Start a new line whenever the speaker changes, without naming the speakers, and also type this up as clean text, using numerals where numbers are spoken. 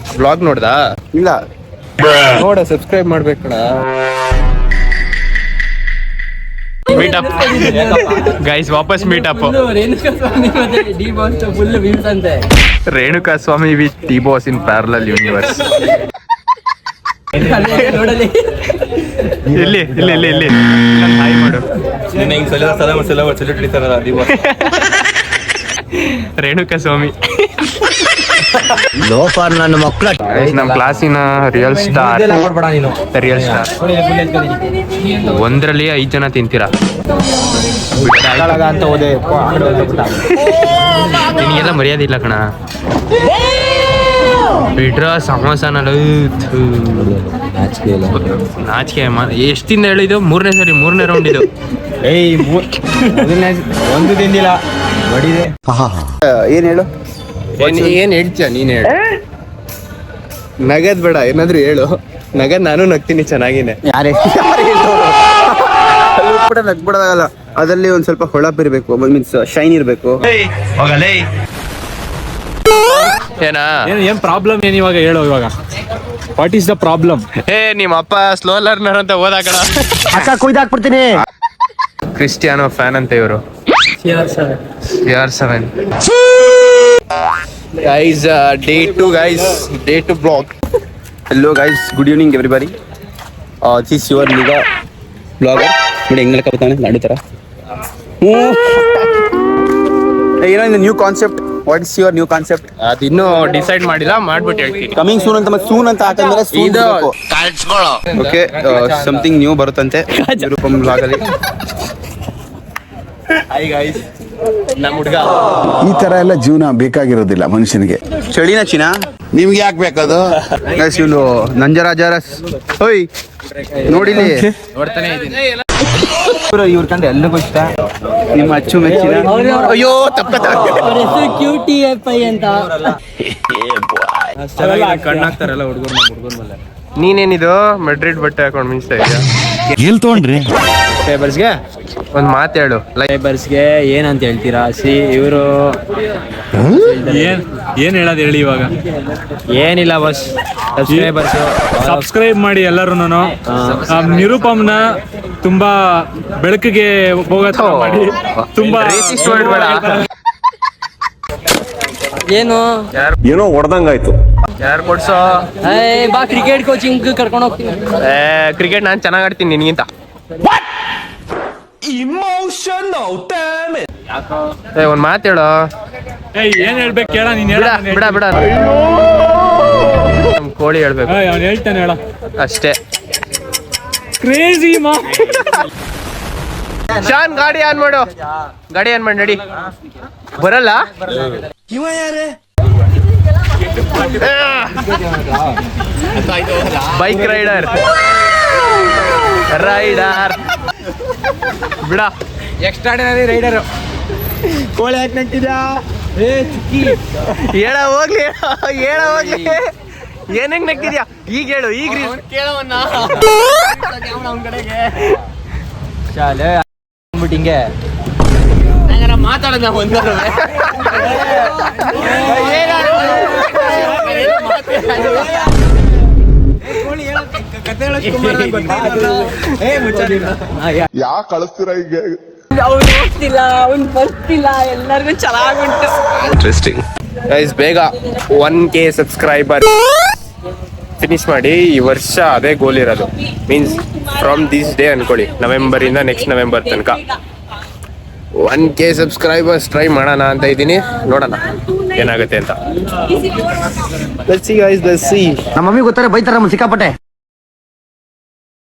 Vlog ನೋಡ್ದಾ?
ಇಲ್ಲ
ನೋಡ, ಸಬ್ಸ್ಕ್ರೈಬ್ ಮಾಡ್ಬೇಕಣ. ಮೀಟಪ್ ಗೈಸ್, ವಾಪಸ್ meetup. Renuka Swamy with D boss in parallel universe. ಇಲ್ಲಿ ಇಲ್ಲಿ ಇಲ್ಲಿ ಇಲ್ಲಿ ಹಾಯ್ ಮಾಡು. ರೇಣುಕಾ ಸ್ವಾಮಿ
ಲೋಫರ್ ನನ್ನ ಮಕ್ಕಳ.
ನಮ್ಮ ಕ್ಲಾಸಿನ ರಿಯಲ್ ಸ್ಟಾರ್. Real star. ಒಂದರಲ್ಲಿ 5 ಜನ ತಿಂತೀರಾ?
ಅಂತ ಹೋದೆ
ನಿನಗೆಲ್ಲ ಮರ್ಯಾದೆ ಇಲ್ಲ ಕಣ. ಬಿಡ್ರ ಸಮೋಸನಲ್ಲ. ನಾಚಿಕೆ. ಎಷ್ಟಿಂದ ಹೇಳಿದ್ದು? 3ನೇ ಸರಿ, 3ನೇ ರೌಂಡ್ ಇದು.
ಒಂದು ತಿಂದಿಲ್ಲ. ಏನ್ ಹೇಳು?
ಏನ್ ಹೇಳ್ತೀಯ ನೀನ್? ಹೇಳು. ನಗದ್ ಬೇಡ, ಏನಾದ್ರು ಹೇಳು. ನಗದ್ ನಾನು ನಗ್ತೀನಿ ಚೆನ್ನಾಗಿನೇ.
ಯಾರೇ ನಗ್ಬಿಡೋದಾಗಲ್ಲ. ಅದ್ರಲ್ಲಿ ಒಂದ್ ಸ್ವಲ್ಪ ಹೊಳಪ್ ಇರ್ಬೇಕು, ಮೀನ್ಸ್ ಶೈನ್ ಇರ್ಬೇಕು.
ಏನಾ
ಏನ್ ಪ್ರಾಬ್ಲಮ್ ಏನ್ ಇವಾಗ ಹೇಳೋ? ಇವಾಗ ವಾಟ್ ಈಸ್ ದ ಪ್ರಾಬ್ಲಮ್?
ನಿಮ್ಮ ಅಪ್ಪ ಸ್ಲೋ ಲರ್ನರ್ ಅಂತ ಓದಾಕಣ.
ಅಕ್ಕ ಕುಯ್ದಾಕ್ಬಿಡ್ತೀನಿ.
ಕ್ರಿಸ್ಟಿಯಾನೋ ಫ್ಯಾನ್ ಅಂತ ಇವರು. CR7 guys, day 2 vlog.
Hello guys, good evening everybody. This is your Niga vlogger. ನೋಡಿ ಹೆಂಗ್ ಹೇಳ್ಕೊತಾನೆ ನಾಡು ತರ. ಏನೋ ಇದು new concept. What is your new concept?
ಅದಿನ್ನೂ ಡಿಸೈಡ್ ಮಾಡಿಲ್ಲ, ಮಾಡ್ಬಿಟ್ಟು ಹೇಳ್ತೀನಿ.
ಕಮಿಂಗ್ ಸೂನ್ ಅಂತ. ಮತ್ತೆ ಸೂನ್ ಅಂತ ಹಾಕಂದ್ರೆ ಓಕೆ, ಸಮಥಿಂಗ್ ನ್ಯೂ ಬರುತ್ತಂತೆ ರೂಪಂ vlog ಅಲ್ಲಿ. ಹಾಯ್ ಗೈಸ್, ನಮ್ಮ ಹುಡುಗ.
ಈ ತರ ಎಲ್ಲ ಜೀವನ ಬೇಕಾಗಿರೋದಿಲ್ಲ ಮನುಷ್ಯನಿಗೆ.
ಚಳಿನ ಚಿನ ನಿಮ್ಗೆ ಯಾಕೆ ಬೇಕದು? ಇವನು ನಂಜರಾಜರಸ್. ಹೋಯ್ ನೋಡಿಲಿ,
ನೋಡ್ತಾನೆ ಇದ್ದೀನಿ.
ಇವ್ರ ಕಂಡ್ರೆ ಎಲ್ಲರಿಗೂ ಇಷ್ಟ. ನಿಮ್ಮ ಅಚ್ಚು ಮೆಚ್ಚಿನ. ಅಯ್ಯೋ
ಕ್ಯೂಟಿ ಅಂತ
ಕಣ್ಣಾಗ್ತಾರಲ್ಲ ಹುಡುಗರು ಮೇಲೆ.
ನೀನೇನಿದು ಮೆಡ್ರಿಡ್ ಬಟ್ಟೆ ಹಾಕೊಂಡು ಮಿಂಚ್ತಾ ಇದೆಯಾ?
ಎಲ್ ತೊಗೊಂಡ್ರಿ?
ಫೇಬರ್ಸ್ಗೆ
ಒಂದ್ ಮಾತು ಹೇಳು.
ಫೇಬರ್ಸ್ಗೆ ಏನಂತ ಹೇಳ್ತೀರಾ? ಇವರು ಏನ್ ಹೇಳೋದು ಹೇಳಿ ಇವಾಗ? ಏನಿಲ್ಲ ಬಸ್, ಸಬ್ಸ್ಕ್ರೈಬ್ ಮಾಡಿ ಎಲ್ಲರೂ. ನಿರುಪಮ್ನ ತುಂಬಾ ಬೆಳಕಿಗೆ ಹೋಗೋ ಮಾಡಿ. ತುಂಬಾ
ಏನೋ ಹೊಡೆದಂಗಾಯ್ತು.
ಯಾರು ಕೊಡ್ಸೋ?
ಬಾ ಕ್ರಿಕೆಟ್ ಕೋಚಿಂಗ್ ಕರ್ಕೊಂಡು ಹೋಗ್ತೀನಿ.
ಕ್ರಿಕೆಟ್ ನಾನ್ ಚೆನ್ನಾಗ್ ಆಡ್ತೀನಿ ನಿನ್ಗಿಂತ. ಒಂದ್ ಮಾತು ಹೇಳು.
ಏನ್ ಹೇಳ್ಬೇಕು ಕೇಳ? ನೀನ್
ಬಿಡ ಬಿಡ. ನಮ್ ಕೋಳಿ ಹೇಳ್ಬೇಕು.
ಅವ್ನು ಹೇಳ್ತಾನೆ, ಹೇಳ
ಅಷ್ಟೇ.
ಕ್ರೇಜಿ ಮಾ.
ಶಾನ್, ಗಾಡಿ ಆನ್ ಮಾಡು. ಗಾಡಿ ಆನ್ ಮಾಡಿ ನಡಿ. ಬರಲ್ಲ? ಬೈಕ್ ರೈಡರ್ ಬಿಡ. Extraordinary rider.
ಕೋಳಿ ಯಾಕೆ ನಗ್ತಿದ್ಯಾ?
ಹೇಳ ಹೋಗ್ಲಿ, ಹೇಳ ಹೋಗ್ಲಿ. ಏನಂಗ್ ನಗ್ತಿದ್ಯಾ? ಈಗ ಹೇಳು. ಈಗ ಕೇಳವನ್ನ
ಹಿಂಗೆ
ಮಾತಾಡೋಣ ಒಂದು.
ಯಾಕೆ ಕಳಿಸ್ತೀರಾ ಈಗ?
ಅವ್ನು ಹೋಗ್ತಿಲ್ಲ, ಅವ್ನು ಬರ್ತಿಲ್ಲ, ಎಲ್ಲರಿಗೂ ಚೆನ್ನಾಗುಂಟು.
Interesting guys. ಬೇಗ 1K ಸಬ್ಸ್ಕ್ರೈಬರ್ ಫಿನಿಶ್ ಮಾಡಿ. ಈ ವರ್ಷ ಅದೇ ಗೋಲ್ ಇರೋದು. ಮೀನ್ಸ್ ಫ್ರಮ್ ದಿಸ್ ಡೇ ಅನ್ಕೊಳ್ಳಿ, ನವೆಂಬರ್ ಇಂದ ನೆಕ್ಸ್ಟ್ ನವೆಂಬರ್ ತನಕ 1K ಸಬ್ಸ್ಕ್ರೈಬರ್ಸ್ ಟ್ರೈ ಮಾಡೋಣ ಅಂತ ಇದ್ದೀನಿ. ನೋಡೋಣ ಏನಾಗುತ್ತೆ ಅಂತ. Let's see guys, let's see.
ನಮ್ಮ ಮಮ್ಮಿ ಗೊತ್ತಾರೆ, ಬೈತಾರ ಸಿಕ್ಕಾಪಟ್ಟೆ.